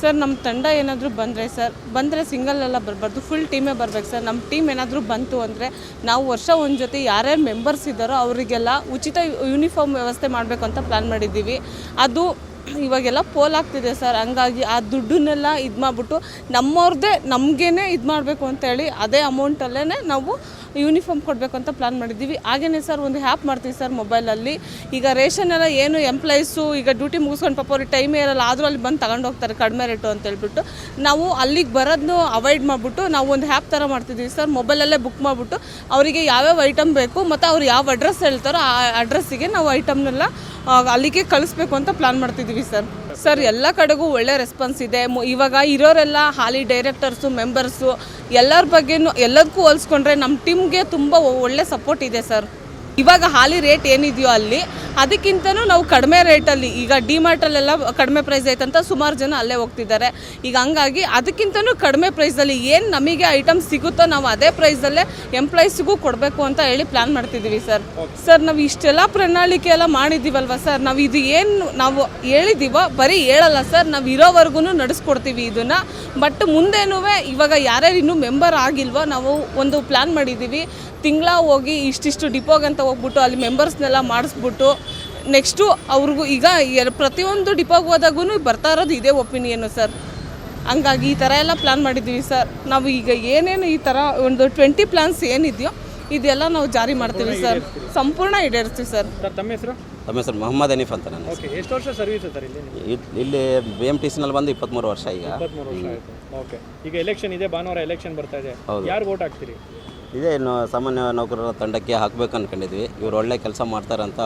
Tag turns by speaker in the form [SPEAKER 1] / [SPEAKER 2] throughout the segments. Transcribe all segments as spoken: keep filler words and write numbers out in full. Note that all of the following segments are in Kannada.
[SPEAKER 1] ಸರ್ ನಮ್ಮ ತಂಡ ಏನಾದರೂ ಬಂದರೆ ಸರ್ ಬಂದರೆ ಸಿಂಗಲ್ ಎಲ್ಲ ಬರಬಾರ್ದು, ಫುಲ್ ಟೀಮೇ ಬರಬೇಕು ಸರ್. ನಮ್ಮ ಟೀಮ್ ಏನಾದರೂ ಬಂತು ಅಂದರೆ ನಾವು ವರ್ಷ ಒಂದು ಜೊತೆ ಯಾರ್ಯಾರು ಮೆಂಬರ್ಸ್ ಇದ್ದಾರೋ ಅವರಿಗೆಲ್ಲ ಉಚಿತ ಯೂನಿಫಾರ್ಮ್ ವ್ಯವಸ್ಥೆ ಮಾಡಬೇಕು ಅಂತ ಪ್ಲ್ಯಾನ್ ಮಾಡಿದ್ದೀವಿ. ಅದು ಇವಾಗೆಲ್ಲ ಪೋಲ್ ಆಗ್ತಿದೆ ಸರ್. ಹಂಗಾಗಿ ಆ ದುಡ್ಡನ್ನೆಲ್ಲ ಇದು ಮಾಡಿಬಿಟ್ಟು ನಮ್ಮವ್ರದ್ದೇ ನಮಗೇನೆ ಇದು ಮಾಡಬೇಕು ಅಂತೇಳಿ ಅದೇ ಅಮೌಂಟಲ್ಲೇ ನಾವು ಯೂನಿಫಾರ್ಮ್ ಕೊಡಬೇಕು ಅಂತ ಪ್ಲ್ಯಾನ್ ಮಾಡಿದ್ದೀವಿ. ಹಾಗೆಯೇ ಸರ್ ಒಂದು ಹ್ಯಾಪ್ ಮಾಡ್ತೀವಿ ಸರ್ ಮೊಬೈಲಲ್ಲಿ. ಈಗ ರೇಷನ್ ಎಲ್ಲ ಏನು ಎಂಪ್ಲಾಯೀಸು ಈಗ ಡ್ಯೂಟಿ ಮುಗಿಸ್ಕೊಂಡು ಪಾಪ ಅವ್ರಿಗೆ ಟೈಮೇ ಇರಲ್ಲ, ಆದರೂ ಅಲ್ಲಿ ಬಂದು ತಗೊಂಡು ಹೋಗ್ತಾರೆ ಕಡಿಮೆ ರೇಟು ಅಂತ ಹೇಳ್ಬಿಟ್ಟು ನಾವು ಅಲ್ಲಿಗೆ ಬರೋದನ್ನು ಅವಾಯ್ಡ್ ಮಾಡಿಬಿಟ್ಟು ನಾವು ಒಂದು ಹ್ಯಾಪ್ ಥರ ಮಾಡ್ತಿದ್ದೀವಿ ಸರ್. ಮೊಬೈಲಲ್ಲೇ ಬುಕ್ ಮಾಡಿಬಿಟ್ಟು ಅವರಿಗೆ ಯಾವ್ಯಾವ ಐಟಮ್ ಬೇಕು ಮತ್ತು ಅವ್ರು ಯಾವ ಅಡ್ರೆಸ್ ಹೇಳ್ತಾರೋ ಆ ಅಡ್ರೆಸ್ಸಿಗೆ ನಾವು ಐಟಮ್ನೆಲ್ಲ ಅಲ್ಲಿಗೆ ಕಳಿಸ್ಬೇಕು ಅಂತ ಪ್ಲ್ಯಾನ್ ಮಾಡ್ತಿದ್ದೀವಿ ಸರ್. ಸರ್ ಎಲ್ಲ ಕಡೆಗೂ ಒಳ್ಳೆ ರೆಸ್ಪಾನ್ಸ್ ಇದೆ. ಇವಾಗ ಇರೋರೆಲ್ಲ ಹಾಲಿ ಡೈರೆಕ್ಟರ್ಸು ಮೆಂಬರ್ಸು ಎಲ್ಲರ ಬಗ್ಗೆನೂ ಎಲ್ಲದಕ್ಕೂ ಹೋಲಿಸ್ಕೊಂಡ್ರೆ ನಮ್ಮ ಟೀಮ್ಗೆ ತುಂಬ ಒಳ್ಳೆ ಸಪೋರ್ಟ್ ಇದೆ ಸರ್. ಇವಾಗ ಹಾಲಿ ರೇಟ್ ಏನಿದೆಯೋ ಅಲ್ಲಿ ಅದಕ್ಕಿಂತನೂ ನಾವು ಕಡಿಮೆ ರೇಟಲ್ಲಿ ಈಗ ಡಿಮಾರ್ಟಲ್ಲೆಲ್ಲ ಕಡಿಮೆ ಪ್ರೈಸ್ ಐತಂತ ಸುಮಾರು ಜನ ಅಲ್ಲೇ ಹೋಗ್ತಿದ್ದಾರೆ. ಈಗ ಹಂಗಾಗಿ ಅದಕ್ಕಿಂತನೂ ಕಡಿಮೆ ಪ್ರೈಸಲ್ಲಿ ಏನು ನಮಗೆ ಐಟಮ್ ಸಿಗುತ್ತೋ ನಾವು ಅದೇ ಪ್ರೈಸಲ್ಲೇ ಎಂಪ್ಲಾಯೀಸಿಗೂ ಕೊಡಬೇಕು ಅಂತ ಹೇಳಿ ಪ್ಲ್ಯಾನ್ ಮಾಡ್ತಿದ್ದೀವಿ ಸರ್. ಸರ್ ನಾವು ಇಷ್ಟೆಲ್ಲ ಪ್ರಣಾಳಿಕೆ ಎಲ್ಲ ಮಾಡಿದ್ದೀವಲ್ವ ಸರ್, ನಾವು ಇದು ಏನು ನಾವು ಹೇಳಿದ್ದೀವೋ ಬರೀ ಹೇಳಲ್ಲ ಸರ್, ನಾವು ಇರೋವರೆಗೂ ನಡೆಸ್ಕೊಡ್ತೀವಿ ಇದನ್ನು. ಬಟ್ ಮುಂದೇನೂ ಇವಾಗ ಯಾರ್ಯಾರು ಇನ್ನೂ ಮೆಂಬರ್ ಆಗಿಲ್ವೋ ನಾವು ಒಂದು ಪ್ಲ್ಯಾನ್ ಮಾಡಿದ್ದೀವಿ. ತಿಂಗಳ ಹೋಗಿ ಇಷ್ಟಿಷ್ಟು ಡಿಪೋಗಂತ ಹೋಗ್ಬಿಟ್ಟು ಅಲ್ಲಿ ಮೆಂಬರ್ಸ್ನೆಲ್ಲ ಮಾಡಿಸ್ಬಿಟ್ಟು ನೆಕ್ಸ್ಟು ಅವ್ರಿಗೂ ಈಗ ಪ್ರತಿಯೊಂದು ಡಿಪೋಗೆ ಹೋದಾಗೂ ಬರ್ತಾ ಇರೋದು ಇದೇ ಒಪಿನಿಯನ್ನು ಸರ್. ಹಂಗಾಗಿ ಈ ಥರ ಎಲ್ಲ ಪ್ಲ್ಯಾನ್ ಮಾಡಿದ್ದೀವಿ ಸರ್. ನಾವು ಈಗ ಏನೇನು ಈ ಥರ ಒಂದು ಟ್ವೆಂಟಿ ಪ್ಲ್ಯಾನ್ಸ್ ಏನಿದೆಯೋ ಇದೆಲ್ಲ ನಾವು ಜಾರಿ ಮಾಡ್ತೀವಿ ಸರ್, ಸಂಪೂರ್ಣ ಈಡೇರಿಸ್ತೀವಿ ಸರ್.
[SPEAKER 2] ತಮ್ಮ ಹೆಸರು?
[SPEAKER 3] ತಮ್ಮ ಹೆಸರು ಮೊಹಮ್ಮದ್ ಹನೀಫ್ ಅಂತ. ನಾನು
[SPEAKER 2] ಓಕೆ, ಎಷ್ಟು ವರ್ಷ ಸರ್ವಿಸ್ ಸರ್ ಇಲ್ಲಿ?
[SPEAKER 3] ಇಲ್ಲಿ ಬಿ ಎಮ್ ಟಿ ಸಿನಲ್ಲಿ ಬಂದು ಇಪ್ಪತ್ತ್ಮೂರು ವರ್ಷ ಈಗ.
[SPEAKER 2] ಇಪ್ಪತ್ತ್ಮೂರು ವರ್ಷ ಆಯಿತು. ಓಕೆ, ಈಗ ಎಲೆಕ್ಷನ್ ಇದೆ, ಭಾನುವಾರ ಎಲೆಕ್ಷನ್ ಬರ್ತಾ ಇದೆ, ಯಾರು ವೋಟ್ ಹಾಕ್ತೀರಿ?
[SPEAKER 3] ಇದೇ ಇನ್ನು ಸಾಮಾನ್ಯ ನೌಕರರ ತಂಡಕ್ಕೆ ಹಾಕಬೇಕು ಅಂದ್ಕೊಂಡಿದ್ವಿ. ಇವರು ಒಳ್ಳೆ ಕೆಲಸ ಮಾಡ್ತಾರಂತ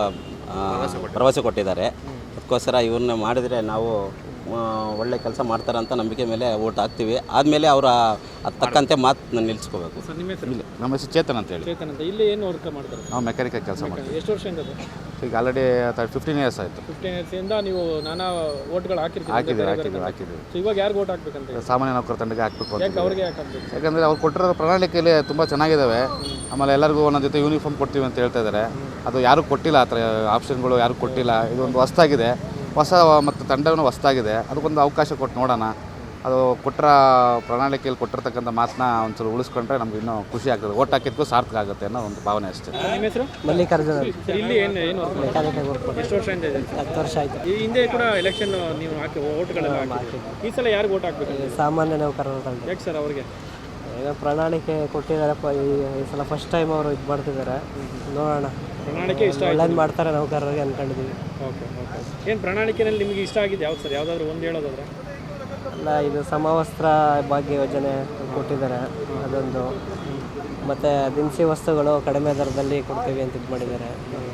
[SPEAKER 3] ಭರವಸೆ ಕೊಟ್ಟಿದ್ದಾರೆ. ಅದಕ್ಕೋಸ್ಕರ ಇವ್ರನ್ನ ಮಾಡಿದರೆ ನಾವು ಒಳ್ಳೆ ಕೆಲಸ ಮಾಡ್ತಾರಂತ ನಂಬಿಕೆ ಮೇಲೆ ಓಟ್ ಹಾಕ್ತೀವಿ. ಆದಮೇಲೆ ಅವರ ಅದು ತಕ್ಕಂತೆ ಮಾತು ನಿಲ್ಲಿಸ್ಕೋಬೇಕು.
[SPEAKER 2] ಸರ್ ನಿಮ್ಮ ಹೆಸರು?
[SPEAKER 4] ನಮ್ಮ ಹೆಸರು ಚೇತನ್ ಅಂತ ಹೇಳಿ.
[SPEAKER 2] ಚೇತನ್ ಅಂತ. ಇಲ್ಲಿ ಏನು ವರ್ಕ್ ಮಾಡ್ತಾರೆ?
[SPEAKER 4] ನಾವು ಮೆಕ್ಯಾನಿಕಲ್ ಕೆಲಸ ಮಾಡ್ತೀವಿ.
[SPEAKER 2] ಎಷ್ಟು ವರ್ಷದಿಂದ?
[SPEAKER 4] ಈಗ ಆಲ್ರೆಡಿ ಫಿಫ್ಟೀನ್ ಇಯರ್ಸ್ ಆಯಿತು.
[SPEAKER 2] ಫಿಫ್ಟೀನ್ ಇಯರ್ಸಿಂದ ನೀವು ನಾನಾ ಓಟ್ಗಳು ಹಾಕಿರ್ತೀವಿ?
[SPEAKER 4] ಹಾಕಿದ್ದೀವಿ ಹಾಕಿದ್ದೀವಿ ಹಾಕಿದ್ದೀವಿ
[SPEAKER 2] ಸೊ ಇವಾಗ ಯಾರು ಓಟ್ ಹಾಕ್ಬೇಕಂತ?
[SPEAKER 4] ಸಾಮಾನ್ಯ ನೌಕರ ತಂಡಕ್ಕೆ ಹಾಕಬೇಕು ಅಂತ.
[SPEAKER 2] ಯಾಕೆ ಅವ್ರಿಗೆ ಯಾಕೆ ಹಾಕಬೇಕು?
[SPEAKER 4] ಯಾಕಂದರೆ ಅವ್ರು ಕೊಟ್ಟಿರೋ ಪ್ರಣಾಳಿಕೆಯಲ್ಲಿ ತುಂಬ ಚೆನ್ನಾಗಿದ್ದಾವೆ. ಆಮೇಲೆ ಎಲ್ಲರಿಗೂ ಒಂದೊಂದು ಜೊತೆ ಯೂನಿಫಾರ್ಮ್ ಕೊಡ್ತೀವಿ ಅಂತ ಹೇಳ್ತಾ ಇದ್ದಾರೆ. ಅದು ಯಾರೂ ಕೊಟ್ಟಿಲ್ಲ, ಆ ಥರ ಆಪ್ಷನ್ಗಳು ಯಾರೂ ಕೊಟ್ಟಿಲ್ಲ. ಇದೊಂದು ಹೊಸದಾಗಿದೆ, ಹೊಸ ಮತ್ತು ತಂಡವೂ ಹೊಸದಾಗಿದೆ. ಅದಕ್ಕೊಂದು ಅವಕಾಶ ಕೊಟ್ಟು ನೋಡೋಣ. ಅದು ಕೊಟ್ಟರ ಪ್ರಣಾಳಿಕೆಯಲ್ಲಿ ಕೊಟ್ಟಿರ್ತಕ್ಕಂಥ ಮಾತನ್ನ ಒಂದ್ಸಲ ಉಳಿಸ್ಕೊಂಡ್ರೆ ನಮ್ಗೆ ಇನ್ನೂ ಖುಷಿ ಆಗ್ತದೆ. ಓಟ್ ಹಾಕಿದ್ಕೂ ಸಾರ್ಥಕ ಆಗುತ್ತೆ ಅನ್ನೋ ಒಂದು ಭಾವನೆ ಅಷ್ಟೇ.
[SPEAKER 2] ನಿಮ್ಮ ಹೆಸರು?
[SPEAKER 5] ಮಲ್ಲಿಕಾರ್ಜುನ.
[SPEAKER 2] ಇಲ್ಲಿ ಏನು ಏನು
[SPEAKER 5] ಮೆಕ್ಯಾನಿಕಲ್ ವರ್ಕ್.
[SPEAKER 2] ಎಷ್ಟು ವರ್ಷದಿಂದ ಇದೆ?
[SPEAKER 5] ಹತ್ತು ವರ್ಷ ಆಯಿತು.
[SPEAKER 2] ಈ ಹಿಂದೆ ಕೂಡ ಎಲೆಕ್ಷನ್ ನೀವು ಹಾಕಿ ಓಟ್ಗಳೆಲ್ಲ ಹಾಕಿ, ಈ ಸಲ ಯಾರು ಓಟ್ ಹಾಕ್ಬೇಕು?
[SPEAKER 5] ಸಾಮಾನ್ಯ ನೌಕರರ ತಂಡ.
[SPEAKER 2] ಯಾಕೆ ಸರ್ ಅವ್ರಿಗೆ?
[SPEAKER 5] ಏನೋ ಪ್ರಣಾಳಿಕೆ ಕೊಟ್ಟಿದ್ದಾರಪ್ಪ, ಈ ಸಲ ಫಸ್ಟ್ ಟೈಮ್ ಅವರು ಇದು ಮಾಡ್ತಿದ್ದಾರೆ. ನೋಡೋಣ,
[SPEAKER 2] ಪ್ರಣಾಳಿಕೆ ಇಷ್ಟ
[SPEAKER 5] ಒಳ್ಳೇದು ಮಾಡ್ತಾರೆ ನೌಕರರಿಗೆ ಅಂದ್ಕೊಂಡಿದ್ದೀವಿ.
[SPEAKER 2] Okay okay. ಏನು ಪ್ರಣಾಳಿಕೆಯಲ್ಲಿ ನಿಮಗೆ ಇಷ್ಟ ಆಗಿದೆ ಯಾವ್ದು ಸರ್? ಯಾವುದಾದ್ರು ಒಂದು ಹೇಳೋದಾದ್ರೆ?
[SPEAKER 5] ಅಲ್ಲ, ಇದು ಸಮವಸ್ತ್ರ ಭಾಗ್ಯ ಯೋಜನೆ ಕೊಟ್ಟಿದ್ದಾರೆ, ಅದೊಂದು. ಮತ್ತು ದಿನಸಿ ವಸ್ತುಗಳು ಕಡಿಮೆ ದರದಲ್ಲಿ ಕೊಡ್ತೀವಿ ಅಂತ ಇದು ಮಾಡಿದ್ದಾರೆ.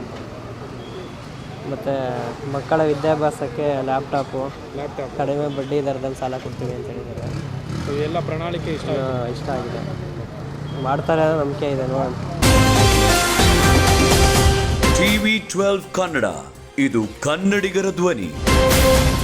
[SPEAKER 5] ಮತ್ತು ಮಕ್ಕಳ ವಿದ್ಯಾಭ್ಯಾಸಕ್ಕೆ ಲ್ಯಾಪ್ಟಾಪು
[SPEAKER 2] ಲ್ಯಾಪ್ಟಾಪ್
[SPEAKER 5] ಕಡಿಮೆ ಬಡ್ಡಿ ದರದಲ್ಲಿ ಸಾಲ ಕೊಡ್ತೀವಿ ಅಂತ ಹೇಳಿದ್ದಾರೆ.
[SPEAKER 2] ಎಲ್ಲ ಪ್ರಣಾಳಿಕೆ ಇಷ್ಟ
[SPEAKER 5] ಇಷ್ಟ ಆಗಿದೆ, ಮಾಡ್ತಾರೆ ಅನ್ನೋ ನಂಬಿಕೆ ಇದೆ. ನೋಡೋಣ.
[SPEAKER 6] ಟಿವಿ ಟ್ವೆಲ್ವ್ ಕನ್ನಡ, ಇದು ಕನ್ನಡಿಗರ ಧ್ವನಿ.